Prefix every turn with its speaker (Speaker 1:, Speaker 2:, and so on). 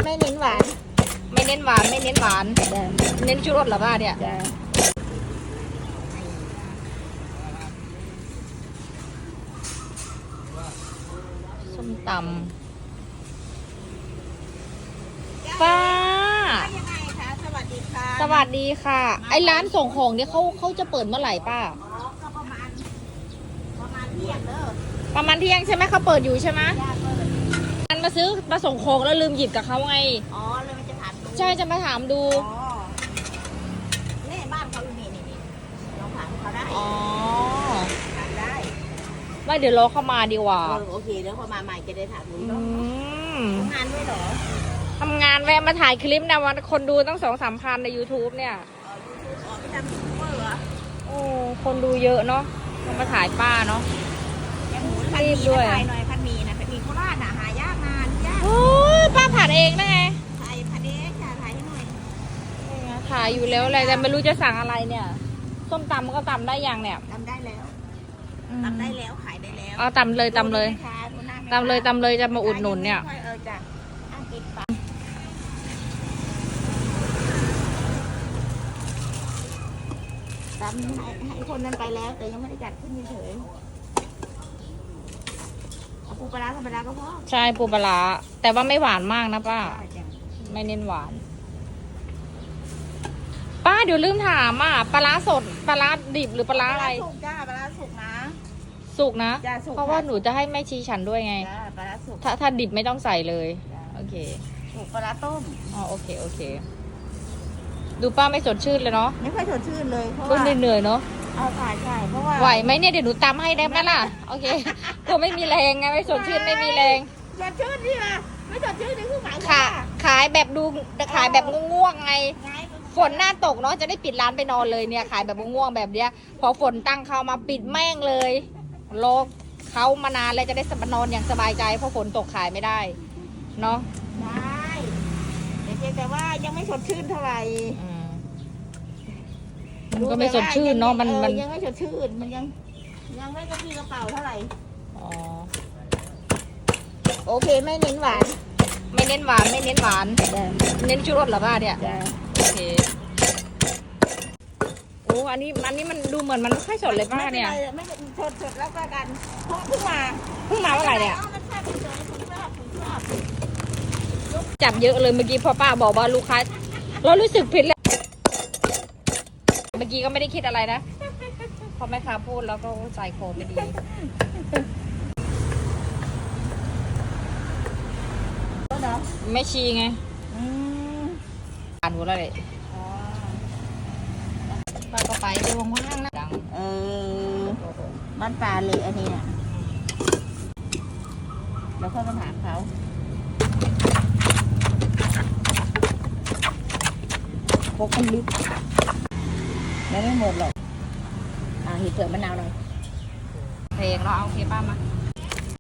Speaker 1: ไม่เน้นหวาน
Speaker 2: ไม่เน้นหวานไม่เน้นหวานเน้นชูรสเหรอป้าเนี่ยส้มตำป้า
Speaker 1: ยังไงคะสวัสดีค่ะ
Speaker 2: สวัสดีค่ะไอ้ร้านส่งของเนี่ยเขาจะเปิดเมื่อไหร่ป้า
Speaker 1: ก็ประมาณเที่ยงเด้อ
Speaker 2: ประมาณเที่ยงใช่ไหมเขาเปิดอยู่ใช่ไหม
Speaker 1: เปิด
Speaker 2: มันมาส่งของแล้วลืมหยิบกับเขาไง
Speaker 1: อ๋อเลยมันจะถามดู
Speaker 2: ใช่จะมาถามดู
Speaker 1: อ๋อนี่บ้านเขาอยู่นี่ลองถามเขาได้
Speaker 2: อ๋อ
Speaker 1: ถามได้
Speaker 2: ไม่เดี๋ยวรอเข้ามาดีกว่า
Speaker 1: โอเคแล้วพอมาใหม่จะได้ถามดูเนาะทำงานด้วยเหรอ
Speaker 2: ทำงานแวะมาถ่ายคลิปนะวันคนดูตั้ง2-3 พันใน YouTube เนี่ย
Speaker 1: YouTube อ๋อไม่ทำยูทูบเบอร์เหรอ
Speaker 2: โอ้คนดูเยอะเนาะมาถ่ายป้าเนาะ
Speaker 1: ยังหมูพันมีด้วยถ่ายหน่อยพันมีนะพันมีโคราชน่ะหายากนานยาก
Speaker 2: โอ้ป้าผัดเองนะไง
Speaker 1: ถ่ายพันเองถ่ายให้หน่อย
Speaker 2: ถ่ายอยู่แล้วอะไรแต่ไม่รู้จะสั่งอะไรเนี่ยส้มตำก็ตำได้ยังเนี่ย
Speaker 1: ตำได้แล้วตำได้แล้วขายได้แล้ว
Speaker 2: เอาตำเลยตำเลยตำเลยจะมาอุดหนุนเนี่ย
Speaker 1: จ้ะตำให้คนนั้นไปแล้วแต่ยังไม่ได้จัดขึ้นเฉยเอาปูปลาธรรมดาก็พอ
Speaker 2: ใช่ปูปลาแต่ว่าไม่หวานมากนะป้าไม่เน้นหวานป้าเดี๋ยวลืมถามอ่ะปลาสดปลาดิบหรือปลาอะไร
Speaker 1: สุกจ้าปลาสุกนะ
Speaker 2: สุกนะเพราะว่าหนูจะให้แม่ชีฉันด้วยไง
Speaker 1: ปลาสุก
Speaker 2: ถ้าดิบไม่ต้องใส่เลยโอเค
Speaker 1: สุกปลาต้ม
Speaker 2: อ๋อโอเคดูป้าไม่สดชื่นเลยเนาะ
Speaker 1: ไม่ค่อยสดชื่นเลยเพราะ
Speaker 2: ว่าเหนื่อยเนาะ
Speaker 1: เอาใช่เพราะว่า
Speaker 2: ไหวไหมเนี่ยเดี๋ยวหนูตำให้ได้ไหมล่ะโอเคก็ไม่มีแรงไงไม่สดชื่นไม่มีแรง
Speaker 1: สดชื่นที่มาไม่สดชื่นนี่คือหมาย
Speaker 2: ขายแบบขายแบบง่วงไงฝนหน้าตกเนาะจะได้ปิดร้านไปนอนเลยเนี่ยขายแบบง่วงแบบเนี้ยพอฝนตั้งเข้ามาปิดแม่งเลยโลกเขามานานแล้วจะได้นอนอย่างสบายใจเพราะฝนตกขายไม่ได้เนาะ
Speaker 1: ได้แต่ว่ายังไม่สดชื่นเท่าไหร่
Speaker 2: มันก็ไม่สดชื่นเนาะมัน
Speaker 1: ยังไม่สดชื่นมันยังไม่กระปี้กระเป๋าเท่าไหร่
Speaker 2: อ๋อ
Speaker 1: โอเคไม่เน้นหวาน
Speaker 2: ไม่เน้นหวานไม่เน้นหวานเน้นชูรสเหรอป้าเนี่ยโอเคโอ้อันนี้มันดูเหมือนมันไม่ค่อยสดเลยป้าเนี่ย
Speaker 1: ไม่สดแล้วกันเพราะเพิ่งมา
Speaker 2: เมื่อไหร่เนี่ยจับเยอะเลยเมื่อกี้พอป้าบอกว่าลูกค้าเรารู้สึกผิดแล้วเมื่อกี้ก็ไม่ได้คิดอะไรนะพอแม่ค้าพูดแล้วก็ใจคอไม่ดีไม่ชีไงอ่านหัวอะไรป้าก็ไปดูว่างๆนะ
Speaker 1: บ้านปลาเลยอันนี้เนี่ยแล้วค่อยมาถามเขาพกมันลึกไม่หมดหรอกเห็ดเผือกมะนาวหน่อย
Speaker 2: เพลงเราเอาโอเคป้ามา